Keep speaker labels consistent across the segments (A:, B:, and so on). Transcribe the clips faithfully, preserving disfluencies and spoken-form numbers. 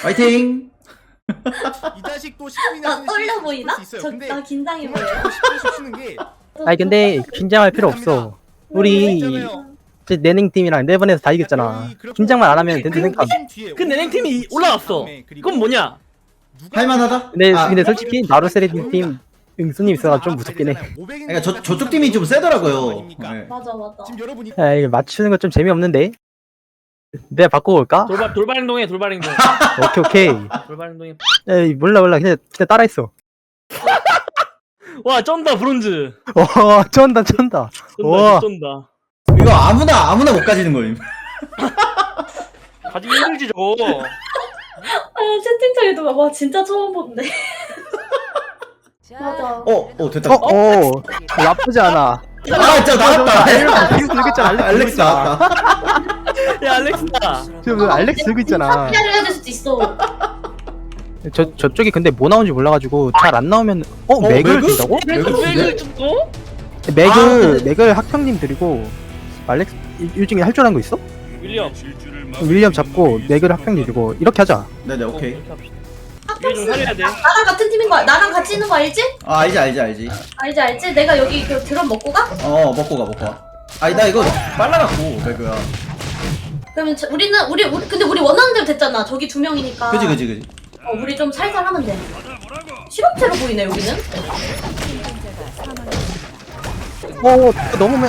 A: 화이팅.
B: 이 자식 또 십분이나
C: 나 떨려 보이나? 저,
B: 근데
C: 나 긴장해
B: 정말
C: 보여.
B: 저거 십 분씩 쉬는 게
D: 아니 근데 긴장할 필요 없어. 우리
B: 있잖아요.
D: 제 내냉팀이랑 네 번에서 다 이겼잖아. 긴장만 안 하면 된다 생각.
E: 그 내냉팀이 올라왔어. 그건 뭐냐?
A: 할만하다.
D: 근데
A: 아,
D: 근데 솔직히 나루세레딘 팀 응수님 있어가 좀 무섭긴 해.
A: 그러니까 저 저쪽 팀이 좀 세더라고요. 네.
C: 맞아 맞아.
B: 지금 여러분이
D: 야 이거 맞추는 거 좀 재미없는데. 내가 바꿔볼까?
E: 돌발 돌발 행동해 돌발 행동.
D: 오케이 오케이.
E: 돌발 행동해.
D: 에이 몰라 몰라 그냥 그냥 따라했어.
E: 와 쩐다 브론즈.
D: 와 쩐다 쩐다.
E: 쩐다
D: 와.
E: 쩐다.
A: 이거 아무나 아무나 못 가지는 거임.
E: 가지기 힘들지 저거.
C: 아 채팅창에도 막 와 진짜 처음 본데. 맞아.
A: 어, 어 됐다.
D: 어, 어, 나쁘지 않아.
A: 아, 진짜 나왔다.
D: 알렉스 들고 있잖아.
A: 아,
D: 알렉스
A: 알렉스 나왔다.
E: 야 알렉스다.
D: 지금 알렉스 들고 있잖아.
C: 피아를 해야 될 수도 있어.
D: 저 저쪽이 근데 뭐 나온지 몰라가지고 잘 안 나오면 어,
A: 어,
D: 맥을
A: 맥을?
D: 든다고?
A: 맥을
E: 맥을
A: 쓰네?
E: 줬고?
D: 맥을
A: 아,
D: 맥을 학평님 드리고 알렉스 이- 이 중에 할 줄 아는 거 있어?
E: 윌리엄.
D: 윌리엄 잡고 맥을 학평님 드리고 이렇게 하자.
A: 네네 오케이.
E: 이렇게 합시다. 이게 좀 살려야 돼.
C: 나랑 같은 팀인 거 나랑 같이 있는 거 알지?
A: 아 알지 알지 알지.
C: 알지 알지? 내가 여기 그 드럼 먹고 가?
A: 어 먹고 가 먹고 가. 아니 나 이거 빨라갖고 배그야.
C: 그러면 저, 우리는 우리, 우리 근데 우리 원하는 대로 됐잖아. 저기 두 명이니까.
A: 그지 그지 그지.
C: 어, 우리 좀 살살 하면 돼. 실업체로 보이네 여기는.
D: 어 넘으면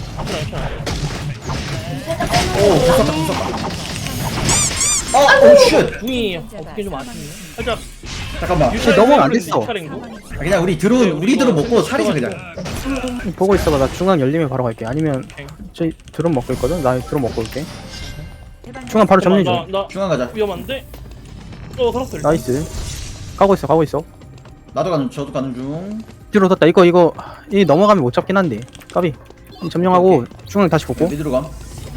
A: 오 무섭다 무섭다. 어오 쉣.
E: 궁이 어떻게 좀 아쉽네. 살짝
A: 잠깐만.
D: 근데 넘어가면 안 됐어.
E: 유찰행동?
A: 아, 그냥 우리 드론 우리 드론 먹고 살이자 그냥.
D: 보고 있어봐. 나 중앙 열리면 바로 갈게. 아니면 저희 드론 먹고 있거든. 나 드론 먹고 올게. 중앙 바로 점령
E: 나,
D: 중.
E: 나
A: 중앙 가자.
E: 위험한데? 어 살았어. 일단.
D: 나이스. 가고 있어 가고 있어.
A: 나도 가는 저도 가는 중.
D: 뒤로 뒀다. 이거 이거 이 넘어가면 못 잡긴 한데. 까비. 이 점령하고 중앙 다시 보고.
A: 미드로 감.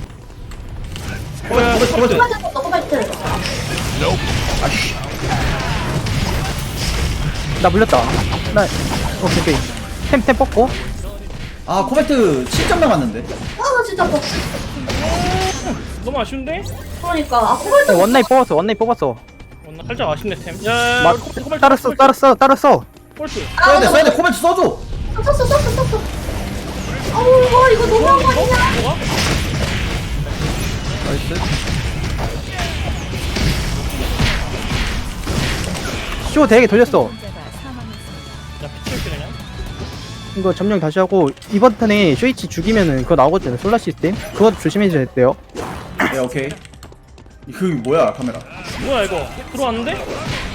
E: 뭐야?
A: 코발트 코발트.
C: 코발트 넣고 발트.
A: 아씨.
D: 나 물렸다. 나 오케이 오케이. 템템 뽑고.
A: 아 코발트 칠 점 남았는데.
C: 아 진짜 뭐.
E: 너무 아쉬운데?
C: 그러니까 아 코발트.
D: 어, 원나잇 뽑았어. 원나잇 뽑았어.
E: 어, 나 살짝 아쉽네 템. 야,
D: 맞. 따랐어 따랐어 따랐어.
E: 폴트.
A: 써야 돼 써야 돼 코발트 써줘.
C: 썼어 썼어 썼어. 아우 와 이거 너무한 거 아니야?
E: 뭐가?
D: 나이스. 쇼 되게 돌렸어.
E: 야 피치올게 그냥.
D: 이거 점령 다시 하고 이번 턴에 쇼이치 죽이면은 그거 나오거든요. 솔라 시스템. 그거 조심해줘야 돼요.
A: 네 오케이. 그 뭐야 카메라.
E: 뭐야 이거? 들어왔는데?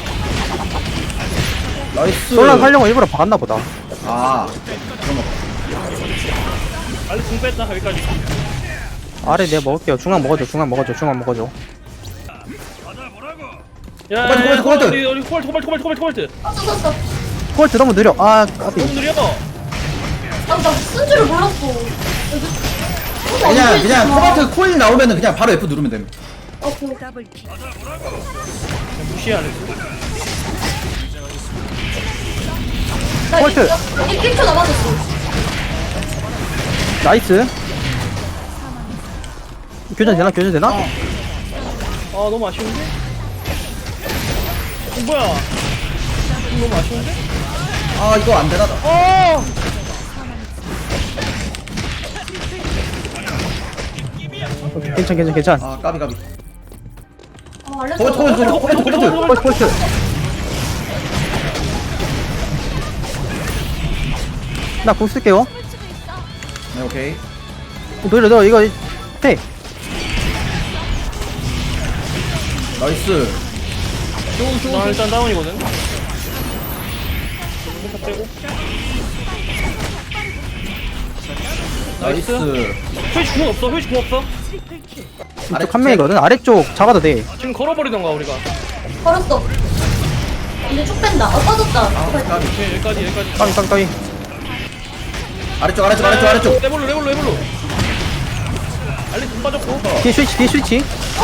A: 나이스.
D: 솔라 살려고 일부러 박았나 보다.
A: 아 그런 거.
E: 알리 궁 뺐다 여기까지.
D: 아래 내가 먹을게요. 중앙 먹어줘. 중앙 먹어줘. 중앙 먹어줘.
E: 야,
A: 코발트, 코발트, 코발트.
E: 우리 우리 코발트 코발트 코발트 코발트 코발트.
C: 썼어 썼어.
D: 그걸 들어면 느려. 아 까비.
E: 너무 느려.
C: 아나쓴 줄을 몰랐어.
A: 그냥 그냥 코발트 코일 나오면은 그냥 바로 F 누르면 됩니다.
C: 어, 그,
E: 무시해 안 했어.
C: 나
D: 폴트.
C: 일 초 남았었어.
D: 나이스. 교전 되나? 교전 되나?
E: 아 너무 아쉬운데? 어, 뭐야? 너무 아쉬운데?
A: 아 이거 안 되나?
E: 어!
D: 오케이, 괜찮 괜찮 괜찮.
A: 아 까비 까비.
C: 아 알렸어.
A: 코발트 코발트 코발트 코발트 코발트.
D: 폴트 폴트. 나공 쓸게요.
A: 네 오케이.
D: 노려 너 이거 해.
A: 나이스.
E: 나 일단 다운이거든. 포탑 빼고.
A: 나이스.
E: 회시 궁 없어. 회시 궁 없어.
D: 이쪽 한 명이거든. 아래쪽 잡아도 돼.
E: 지금 걸어버리던가 우리가.
C: 걸었어. 이제 쭉 뺀다. 어 빠졌다.
A: 아 까비.
E: 오케이 여기까지 여기까지.
D: 까비 까비 까비.
A: 아래쪽 아래쪽 아래쪽 아래쪽.
E: 레볼로 레볼로 레볼로. 알리 돈 빠졌고.
D: 뒤에 스위치 뒤에 스위치.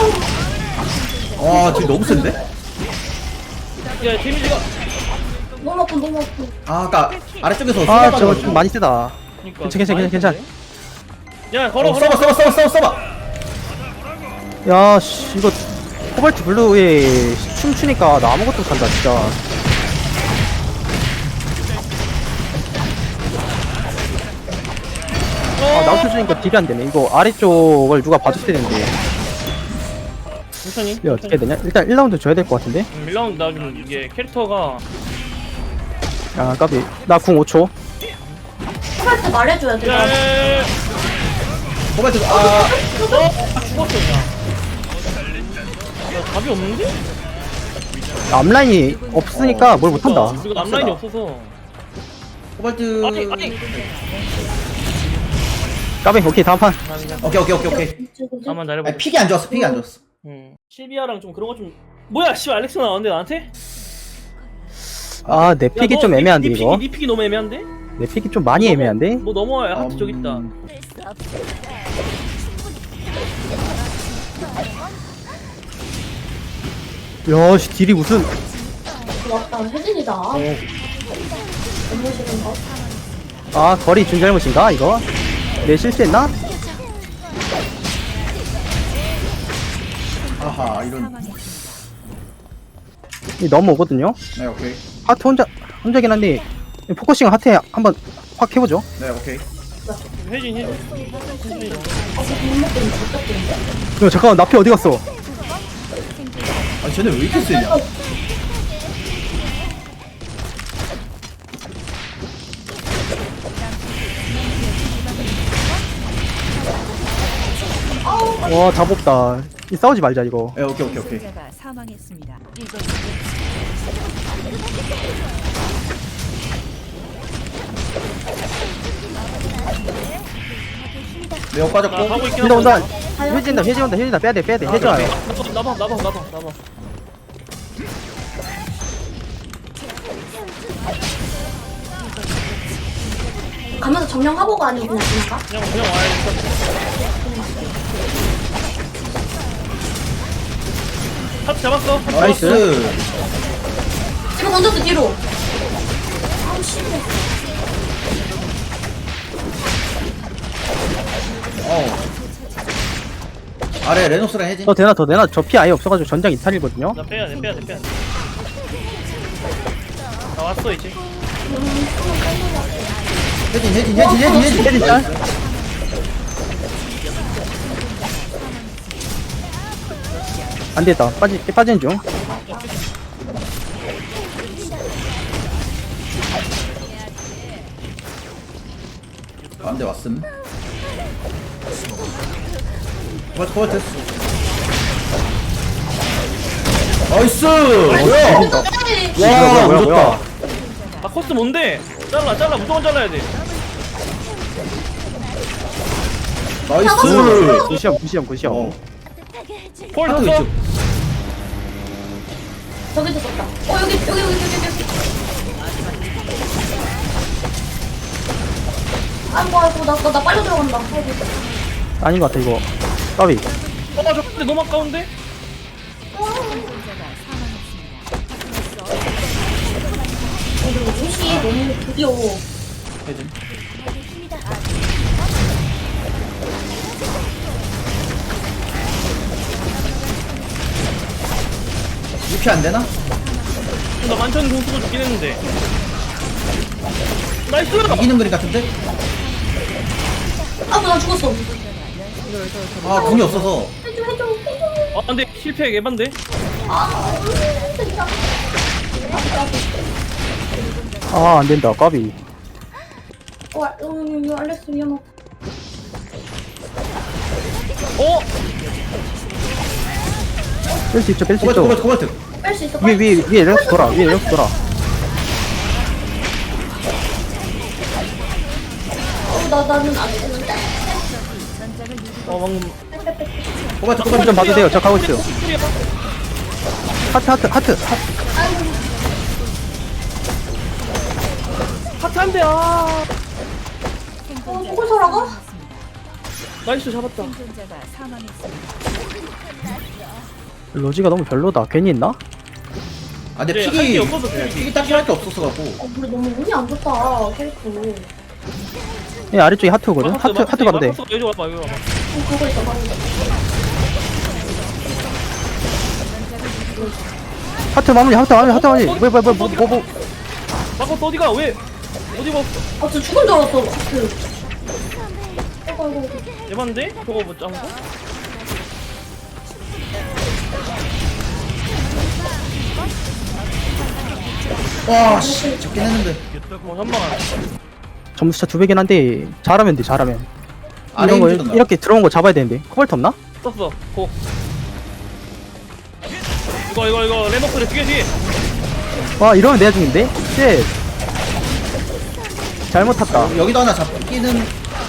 A: 와 지금 너무 센데?
E: 야 데미지가.
C: 너무 아픈 너무 아픈.
A: 아 아까 아래쪽에서
D: 아
A: 수비하다가
D: 저거 좀 많이 세다.
E: 그러니까
D: 괜찮, 괜찮, 괜찮,
E: 야 걸어
A: 어,
E: 걸어.
A: 써봐 써봐 써봐 써봐 써봐.
D: 야 씨 이거 코발트 블루에 춤추니까 나 아무것도 못한다 진짜. 아 나우트 주니까 딜이 안 되네. 이거 아래쪽을 누가 봐줬어야 되는데.
E: 천천히.
D: 이게 어떻게 해야 되냐? 일단 일 라운드 줘야 될 것 같은데.
E: 음, 일 라운드 나좀 이게 캐릭터가
D: 아 까비. 나 궁 오 초.
C: 코발트 말해줘야 돼. 나.
E: 야야야야.
A: 코발트 아
E: 어? 아, 죽었어 그냥. 야 답이 없는데?
D: 앞라인이 없으니까 뭘 못한다.
E: 우리가 앞라인이 없어서.
A: 코발트
E: 아니 아니.
D: 까비. 오케이 다음 판.
A: 오케이 오케이 오케이 오케이
E: 나만 잘해봐.
A: 아니 픽이 안 좋았어 픽이 안 좋았어
E: 음. 실비아랑 좀 그런 거 좀. 뭐야 씨 알렉스 나왔는데 나한테?
D: 아 내 픽이
E: 야,
D: 좀
E: 너,
D: 애매한데
E: 니, 니
D: 이거.
E: 픽이, 니 픽이 너무 애매한데?
D: 내 픽이 좀 많이 애매한데.
E: 뭐 넘어와야 하트 저기 있다.
A: 음,
D: 야씨 딜이 무슨.
C: 왔다. 혜진이다. 너무 싫은 거.
D: 아 거리 준 잘못인가 이거? 내 실수했나?
A: 아하 이런
D: 이 넘어오거든요.
A: 네 오케이
D: 하트 혼자 혼자긴 한데 포커싱 하트에 한번 확 해보죠.
A: 네 오케이
E: 혜진 혜진.
D: 야 잠깐만 나피 어디 갔어?
A: 아니 쟤네 왜 이렇게 세냐
D: 와다 뽑다. 이 싸우지 말자 이거.
A: 네 오케이 오케이 오케이
F: 생존자가 사망했습니다.
A: 매우
E: 나
A: 빠졌고
E: 하고 있긴
D: 온다 온다.
E: 한데.
D: 해진다 해진 온다 해진다 빼야돼 빼야돼 해줘야 돼.
E: 나봐 나봐 나봐 나봐.
C: 가면서 점령하고가 아니고 그냥 지나가?
E: 그냥 그냥 와야겠다. 하트 잡았어. 하트 잡았어.
A: 나이스
C: 지금 던졌어 뒤로. 아우 씨.
A: 어 아래 레노스랑 혜진
D: 더 되나 더 되나 저 피 아예 없어가지고 전장 이탈이거든요.
E: 나 빼야 돼 빼야 돼 빼야 돼. 나 왔어 이제.
A: 혜진 혜진 혜진 혜진 혜진
D: 혜진 짤. 안 됐다. 빠지 빠지는 중.
A: 안돼 왔음 코발트 코발트 나이스 뭐야
C: 에이,
A: 와
D: 뭐야, 뭐야,
A: 무섭다
E: 아 코스 뭔데? 잘라 잘라 무조건 잘라야 돼.
A: 나이스
D: 무시함 무시함 무시함.
A: 어
E: 폴
A: 하트
E: 떴어?
A: 위쪽
C: 저기도 썼다. 어 여기 여기 여기 여기 여기. 아이고 아이고 나나 나 빨려 들어간다. 아이고.
D: 아닌 것 같아 이거. 까비.
E: 어저 근데 너무 아까운데?
F: 생존자가 사망했습니다.
C: 그리고 옷이 너무 드디어.
A: 혜진 유피 안되나?
E: 나 만천 공 쓰고 죽긴 했는데. 나이스!
A: 이기는 그림 같은데?
C: 아이고 나 죽었어.
A: 아 궁이 없어서
C: 해줘 해줘 해줘.
E: 아 근데 실패 개반데?
C: 아 진짜.
D: 아 안된다 까비.
C: 와 음, 알렉스 위험하다.
E: 어?
D: 뺄 수 있죠 뺄 수
A: 코발트
D: 있죠.
A: 코발트 코발트
C: 뺄 수 있어.
D: 위에 위에 위에 이렇게 돌아 위에 이렇게 돌아.
C: 어, 나 나는 안 되는데.
E: 어 방금
A: 코발트
D: 좀
A: 코발트
D: 봐도 돼요. 저 가고 있어요.
E: 스킬이야.
D: 하트 하트 하트 하트.
E: 하트 한대 아
C: 어 저걸 살아가?
E: 나이스 잡았다.
F: 생존자가 사망했습니다.
D: 로지가 너무 별로다. 괜히 했나?
A: 아 근데
E: 네,
A: 픽이
E: 할게 없어서
A: 네,
E: 그래.
A: 픽이 딱히 할 게 없었어갖고
C: 어 우리 너무 운이 안 좋다 캐릭터.
D: 예 아래쪽에 하트거든. 하트 하트 가도 돼.
E: 여기 와봐 여기 와봐.
C: 어, 가고 있어 가고 있어.
D: 하트 마무리 하트 마무리 하트 마무리 뭐야 뭐야 뭐야 뭐, 뭐, 뭐.
E: 마커스 어디가? 왜? 어디가?
C: 아, 저 죽은 줄 알았어. 그. 아이고, 아이고, 아이고.
E: 대반데? 저거 뭐 짱구?
A: 와씨 잡긴 했는데.
E: 어 현망아.
D: 점수차 두 배긴 한데 잘하면 돼 잘하면
A: 아래
D: 이런 거
A: 힘주던가.
D: 이렇게 들어온 거 잡아야 되는데 코발트 없나?
E: 썼어. 고. 이거 이거 이거 레노크를 뒤에 뒤에.
D: 와 이러면 내가 중인데? 쉣 잘못 탔다
A: 여기도 하나 잡기는.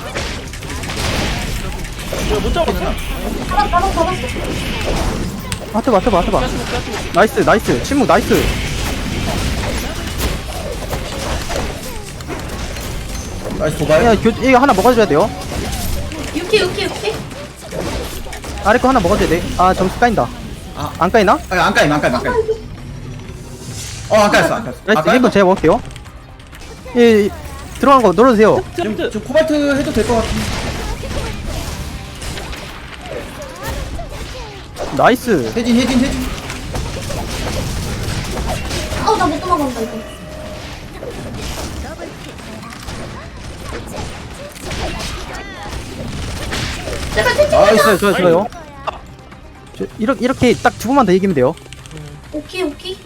E: 이거 못 잡았어.
C: 잡았, 잡았, 잡았어.
D: 하트 봐 하트 봐 하트 봐
E: 가스복 가스복.
D: 나이스 나이스 침묵 나이스
A: 나이스 도발.
D: 야 교, 이거 하나 먹어줘야 돼요
C: 유키, 유키, 유키.
D: 아래 거 하나 먹어줘야 돼아 점수 까인다
A: 아.
D: 안 까이나?
A: 아니 안 까임 안 까임 안 까임. 어안 까였어 안 까였어. 아
D: 나이스
A: 까임.
D: 이건 제가 먹을게요 예, 예 들어간 거 눌러주세요
A: 지금
E: 트랩트.
A: 지금 코발트 해도 될 것 같은데.
D: 나이스
A: 혜진 혜진 혜진.
C: 아우, 나 못 도망간다, 이거. 제발 채찍
A: 나이스.
D: 좋아요 좋아요 좋아요 저, 이렇게 이렇게 딱 두 번만 더 이기면 돼요
C: 오키, 오키.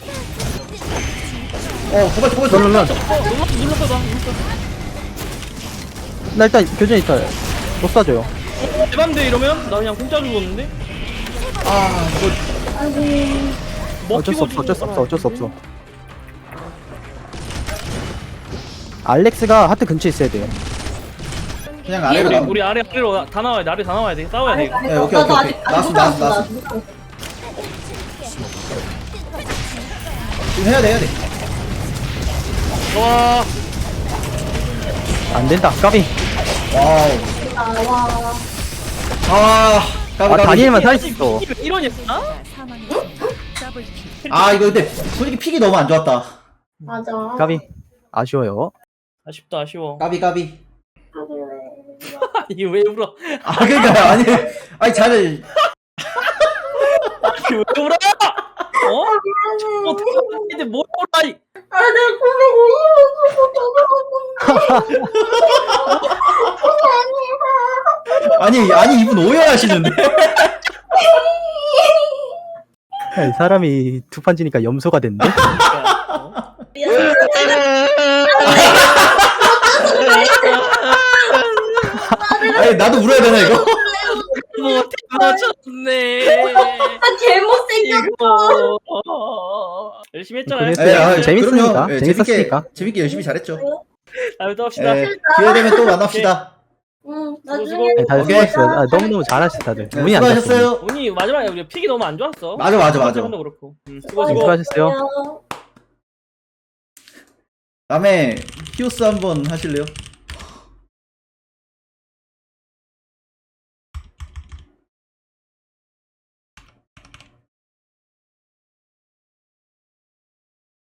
A: 어 코발트 코발트.
D: 눌러 눌러
E: 어 눌렀어 눌렀어 나. 눌렀어.
D: 나 일단 교전 있다 못 쏴줘요
E: 대반데 이러면 나 그냥 공짜 죽었는데.
A: 아 이거
C: 아이고.
D: 어쩔 수 없어 어쩔 수 없어 어쩔 수 없어 알렉스가 하트 근처에 있어야 돼요
A: 그냥
E: 우리
A: 아래로 나.
E: 우리 아래 아래로 다 나와야 돼. 아래 다 나와야 돼. 싸워야 돼. 이거.
A: 네, 오케이,
C: 나도
A: 오케이,
C: 아직,
A: 오케이.
C: 아직
A: 나왔어,
C: 못
A: 나왔어,
C: 왔어, 나. 못 왔어.
A: 지금 해야 돼 해야 돼.
E: 와.
D: 안 된다 까비
A: 와우.
C: 아, 와.
A: 아 까비
D: 아
A: 까비.
D: 다니엘만 살아있어
E: 이런이었나?
F: 사망했습니다. 더블킬.
A: 아 이거 근데 솔직히 픽이 너무 안 좋았다.
C: 맞아.
D: 까비 아쉬워요
E: 아쉽다 아쉬워.
A: 까비 까비.
E: 아니 왜 울어?
A: 아 그러니까 아니 아니 잘.
E: 아니 왜 울어? 어? 어떻게 근데 뭘 울어? 이
C: 아, 내가 고백
A: 아니 아니 이분 오해하시는데.
D: 이 사람이 두 판 지니까 염소가 됐네
E: 어?
A: 아니 나도 울어야 되나 이거?
E: 뭐 맞췄네.
C: 아, 개못생겼어.
E: 이거 열심히 했잖아요.
D: 그랬어요.
A: 예, 아,
D: 재밌으니까.
A: 그럼요. 예,
D: 재밌었으니까.
A: 재밌게, 재밌게 열심히 잘했죠.
E: 다음에 또 합시다.
A: 예, 기회 되면 또 만납시다.
C: 응,
E: 수고,
C: 나중에.
E: 수고.
D: 네, 다들
A: 오케이.
D: 수고했어요 아, 너무너무 잘하셨어 다들
A: 네,
D: 운이 안 좋았어
A: 수고하셨어요.
E: 운이 마지막에 우리 픽이 너무 안 좋았어.
A: 맞아, 맞아, 맞아.
E: 도 그렇고. 음, 수고
D: 네,
E: 수고.
D: 수고하셨어요
A: 다음에 히오스 한번 하실래요?